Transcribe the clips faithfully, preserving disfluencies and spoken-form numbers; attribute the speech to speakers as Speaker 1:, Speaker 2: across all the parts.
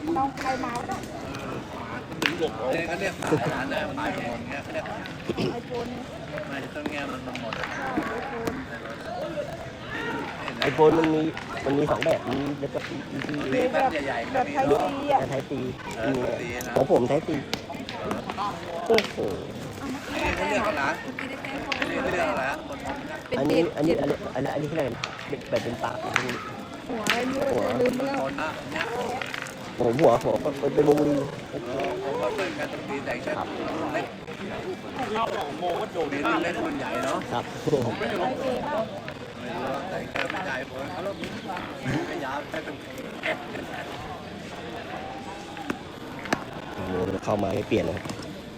Speaker 1: น้องใครเมาเนาะ
Speaker 2: ถึงหลบเขาเนี่ยเขาเรียกสายร้านนะสายหมดเงี้ยเขาเรียก
Speaker 1: ไอโฟน
Speaker 2: ไม่ต้นเงี้ยมันหมด
Speaker 3: ไอโฟนมันมีมันมีสองแบบมีแล้วก็มีที่
Speaker 2: มีแบบใหญ่ๆ
Speaker 1: แบบไทยซีอ่ะ
Speaker 3: ไทยตีของผมไทยตีโอ้โห
Speaker 2: เขาเรียกอะไรเขาเรียกอะไร
Speaker 3: อันนี้อันนี้อันนี้อันนี้อันนี้ที่ไหนแบบเป็นปาก
Speaker 1: หัวอะไรไม่รู้ลืมแล้ว
Speaker 3: ผมหัวหัวเป็นโมลี
Speaker 2: ผมก็เป็นการตีแต่งครับเล็กเราโมก็โดดเล็กมันใหญ่เนาะ
Speaker 3: ครับ
Speaker 2: ผมไม่รู้แต่งแค่ไม่ใหญ่ผมเขาลบไม่ยาวแค่เป็น
Speaker 3: โมเข้ามาให้เปลี่ยนนะครับ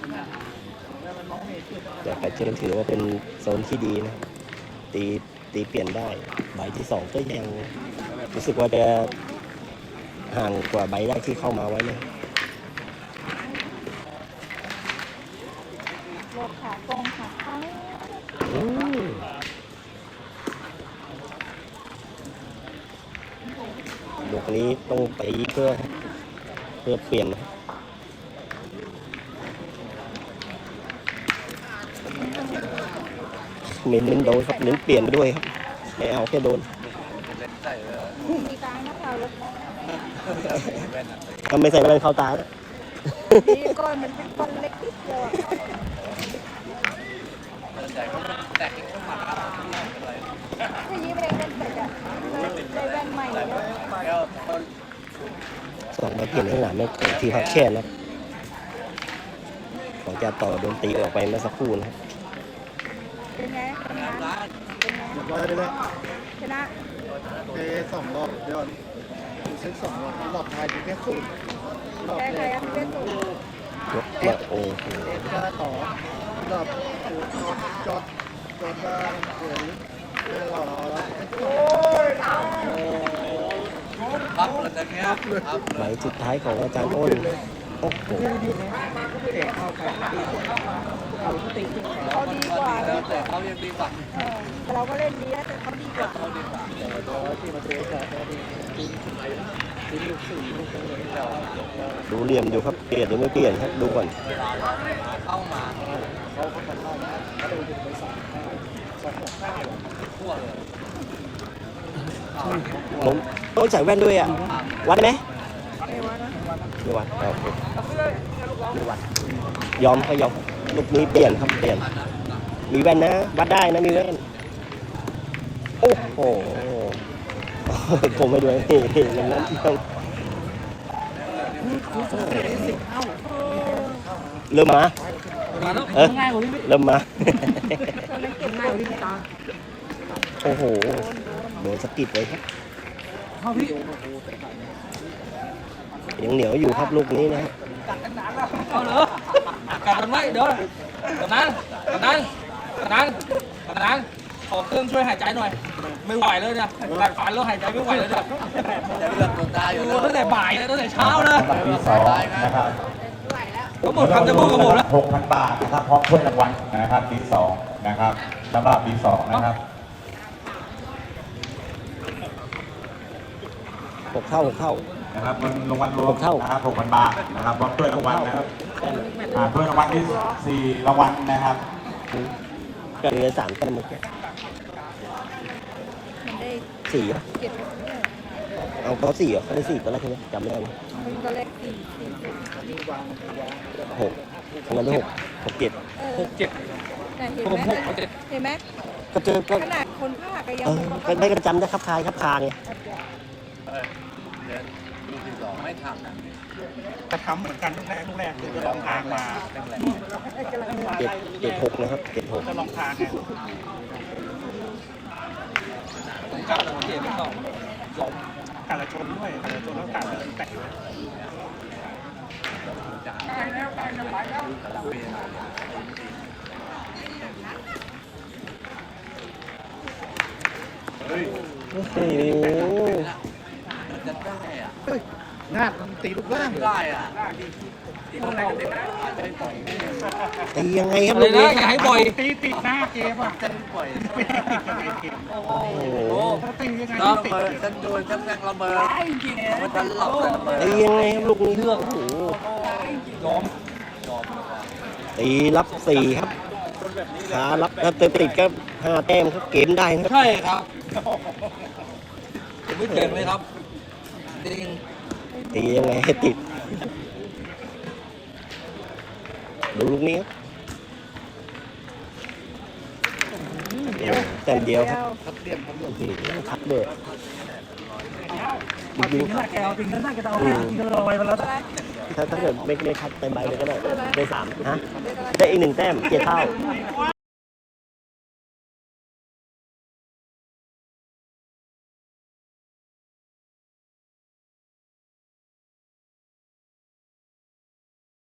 Speaker 3: แต่ไปเจอถือว่าเป็นโซนที่ดีนะตีตีเปลี่ยนได้ใบที่สองก็ยังรู้สึกว่าจะห่างกว่าใบแรกที่เข้ามาไว้เลย
Speaker 1: รถขาตรงขาข้าง
Speaker 3: ลูกนี้ต้องไปเพื่อเพื่อเปลี่ยนเน้นเน้นโดนครับเน้นเปลี่ยนไปด้วยครับไม่เอาแค่โดน
Speaker 1: มีกลางนะเรารถ
Speaker 3: ทำไม่ใส่แว่นเข้าตา
Speaker 1: นี่ก้อนมันเป็นก้อนเล็กนิดเดียวทีนี้เองเป็นแบบได้แว่นใหม่แล้ว
Speaker 3: สองมาเปลี่ยนข้างหลังไม่ที่พักแค่นะของจะต่อโดนตีออกไปเมื่อสักครู่นะครับ
Speaker 1: เป็นไงทำงาน
Speaker 4: เรียบร้อยเลย
Speaker 1: ชนะ
Speaker 4: เตะสองรอบเดี๋ยวเซ็ตสองรอบรอบท้ายอยู่แค่ศูนย์รอบแรก
Speaker 1: เป็นศูนย์
Speaker 3: ยกมาโอ้โห
Speaker 4: มาต่อรอบจอดจอดมาเดี๋ยวนี้รอ
Speaker 2: พับเลยตะเงี้ย
Speaker 3: ใบสุดท้ายของอาจารย์อ้นโอ้โห
Speaker 1: เขาดีกว่า
Speaker 2: แต่เขายังดีกว่า
Speaker 1: เราก็เล่นดีแล้วแต่เขาดีกว่า
Speaker 2: เขาดีกว่า
Speaker 3: ดูเหลี่ยมอยู่ครับเปลี่ยนหรือไม่เปลี่ยนครับดูก่อน
Speaker 2: เข้ามาเขาเขาทำได้เขาดูถึงไปสามสองห้าทั่วเลย
Speaker 3: ผมต้องใส่แว่นด้วยอ่ะวัดไหม
Speaker 1: ไม่วัดนะ
Speaker 3: ไม่วัดโอเคไม่วัดยอมเขายอมลูกนี้เปลี่ยนครับเปลี่ยนมีแว่นนะวัดได้นะมีแว่นโอ้โหผมไม่ด้วยเฮ้ยมันนั้นต้องเริ่มมาเออเริ่มมาโอ้โหโดนสกิดเลยครับยังเหนียวอยู่ครับลูกนี้นะ
Speaker 5: เอาเหรอกัดกันไว้เดี๋ยวกัดนั้นกัดนั้นกัดนั้นกัดนั้นขอเครื่องช่วยหายใจหน่อยไม่ไหวเลยเนี่ยกัดฟันแล้วหายใจไม่ไหวเลยเนี่ยตั้งแต่บ่ายเลยตั้งแต่เช้าเลย
Speaker 6: ที่สองนะครับ
Speaker 5: ทั้งหมดทำจะพูดกับผมแล้ว
Speaker 6: หกพันบาทนะครับพร้อมถ้วยรางวัลนะครับปีสองนะครับสำหรับปีสองนะครับ
Speaker 3: หกเท่าหกเท่า
Speaker 6: นะครับเงินรางวัลรวมนะครับหกพันบาทนะครับพร้อมถ้วยรางวัลนะครับถ้วยรางวัลที่สี่รางวัลนะครับ
Speaker 3: กันเลยสามกันเมื่อกี้สี่เหรอเอาเขาสี่เหรอเขาได้สี่ตอนแรกใช่ไหมจำไม่ได้ไหม
Speaker 1: ตอนแรกสี่
Speaker 3: หกทำงานได้หกหกเจ็ด
Speaker 5: หกเจ็ด
Speaker 1: เห็นไหมเห็นไหม
Speaker 3: ก็เจอก็
Speaker 1: ขนาดคนภาคก็ยัง
Speaker 3: ก็ได้กันจำได้ครับคายครับคาไง
Speaker 2: ไม่ทำ
Speaker 5: จะทำเหมือนกันทุกแรกทุกแรกคือจะลองทางมา
Speaker 3: เจ็ดเจ็ดหกนะครับเจ็ดหก
Speaker 5: จะลองทางไงผมกลับแต่ผมเจ็บไม่ต้องยอมการละชนด้วยการละชนแล้วการแต่ง
Speaker 2: เฮ้ยโอ้โหจะได้อะ
Speaker 4: งาดมันตีลูกล่าง
Speaker 5: ได้อ่ะ
Speaker 3: ตียังไงครับ
Speaker 5: อะไร
Speaker 3: ลูก
Speaker 5: นะ
Speaker 3: นี้
Speaker 5: อย่าให้บ่อย
Speaker 4: ตีติดหน้าเกมอ่ะจะปล่อย
Speaker 3: โอ้โห
Speaker 4: ถ้าตียังไง
Speaker 5: ระ
Speaker 4: ติด
Speaker 5: เบิดฉันโดนฉันแรงระเบิดมันจะหลับเลยระเบิด
Speaker 3: ตียังไงครับลูกนี้โอ้โห
Speaker 5: ยอม
Speaker 3: ตีรับสี่ครับขารับถ้าติดติดก็ห้าแต้มครับเกมได้ครับ
Speaker 5: ใช่ครับผมไม่เก่งเลยครับจริง
Speaker 3: ตียังไงให้ติดดูลูกนี้ครับแต้มเดียวครับ
Speaker 4: ทัดเดียมผมหลบ
Speaker 3: อืมทัดเลยยิง
Speaker 5: แกเอาจริงนั่นก็จะเอา
Speaker 3: อืม
Speaker 5: กินลอยไปแล้ว
Speaker 3: ถ้าถ้าเกิดไม่ไม่ทัดเต็มใบเลยก็ได้ได้สามฮะได้อีกหนึ่งแต้มเจ็ดเท่า